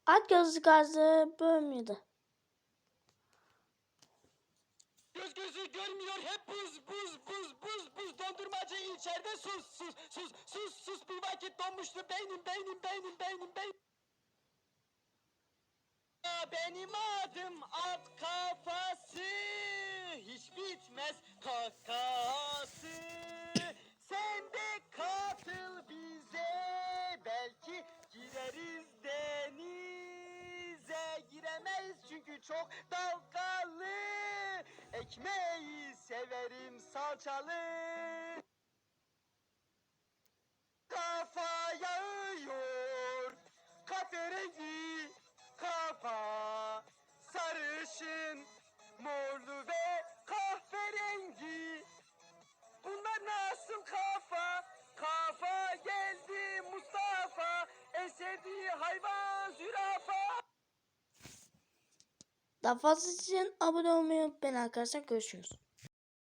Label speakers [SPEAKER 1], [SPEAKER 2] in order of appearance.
[SPEAKER 1] At gözlü gazı bölmüyordu.
[SPEAKER 2] Gözü görmüyor hep buz dondurmacı içeride sus bir vakit donmuştu beynim. Benim adım at kafası, hiç bitmez kakası. Sen de katıl bize, belki gireriz denize. Giremeyiz çünkü çok dalgalı, ekmeği severim salçalı. Kafa yağıyor, kahverengi kafa, sarışın, morlu ve kahverengi. Bunlar nasıl kafa? Kafa geldi Mustafa, en sevdiği hayvan zürafa.
[SPEAKER 1] Daha fazlası için abone olmayı unutmayın arkadaşlar. Görüşürüz.